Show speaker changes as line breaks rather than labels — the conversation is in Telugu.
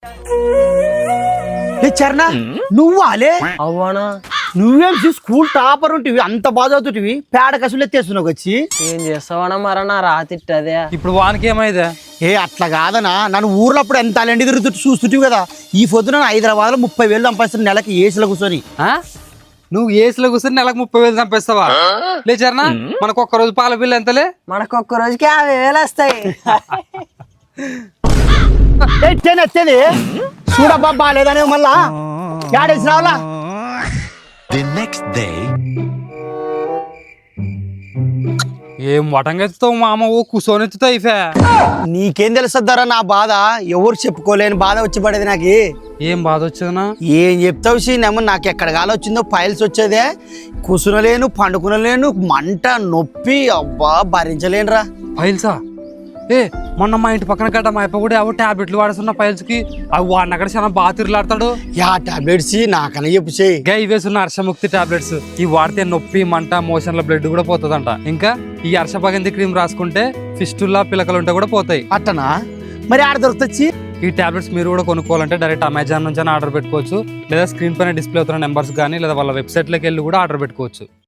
చరణ నువ్వు అలే
అవ్వనా
నువ్వేం స్కూల్ టాపర్ ఉంటివి అంత బాగా చదువుతుంటివి పేడ కసులు ఎత్తేస్తున్నావు వచ్చి
ఏం చేస్తావనా మర నా రాతిట్టదే
ఇప్పుడు వానికి ఏమైందా?
ఏ అట్లా కాదనా నన్ను ఊర్లో అప్పుడు ఎంత అలెండి తిరుగుతూ చూస్తుంటివి కదా ఈ పొద్దున హైదరాబాద్ లో 30,000 సంపాదిస్తున్న నెలకి ఏసులో కూర్చొని
నువ్వు ఏసులో కూర్చొని నెలకు 30,000 సంపాదిస్తావా? లేచరనా మనకు ఒక్క రోజు పాల బిల్లు ఎంతలే?
మనకు ఒక్క రోజుకి 50,000 వస్తాయి.
ఎత్తేది చూడబ్బా బాగాలేదనే మళ్ళా ఏడేసి రావాలా?
The next day.
ఏం వటంగెత్తుతావు మామ, ఓ కూర్చొని ఎత్తుతావు ఇఫే.
నీకేం తెలుస్తుందరా నా బాధ, ఎవరు చెప్పుకోలేని బాధ వచ్చి పడేది నాకు.
ఏం బాధ వచ్చేదనా?
ఏం చెప్తావు సీనేమో నాకు ఎక్కడ గాలి వచ్చిందో ఫైల్స్ వచ్చేదే, కూసునలేను పండుకునలేను, మంట నొప్పి అబ్బా భరించలేనురా.
ఫైల్సా? ఏ మొన్న మా ఇంటి పక్కన గడ్డ మా అప్ప కూడా ఏవో టాబ్లెట్లు వాడుతున్న ఫైల్స్ కి అవి వాడిన అక్కడ చాలా బాగా తిరుగులాడతాడు.
యా టాబ్లెట్స్ నాకన్నా చెప్పు చేయి.
గా ఇవేసున్న హర్షముక్తి టాబ్లెట్స్ ఇవి వాడితే నొప్పి మంట మోషన్ల బ్లడ్ కూడా పోతుందంట. ఇంకా ఈ హర్షభగంతి క్రీమ్ రాసుకుంటే ఫిస్టుల్లా పిలకలు ఉంటే కూడా పోతాయి.
అట్టనా? మరి ఆడ దొరుకుతొచ్చి
ఈ టాబ్లెట్స్ మీరు కూడా కొనుక్కోవాలంటే డైరెక్ట్ అమెజాన్ నుంచి ఆర్డర్ పెట్టుకోవచ్చు, లేదా స్క్రీన్ పైన డిస్ప్లే అవుతున్న నెంబర్స్ కానీ లేదా వాళ్ళ వెబ్సైట్లోకి వెళ్ళి కూడా ఆర్డర్ పెట్టుకోవచ్చు.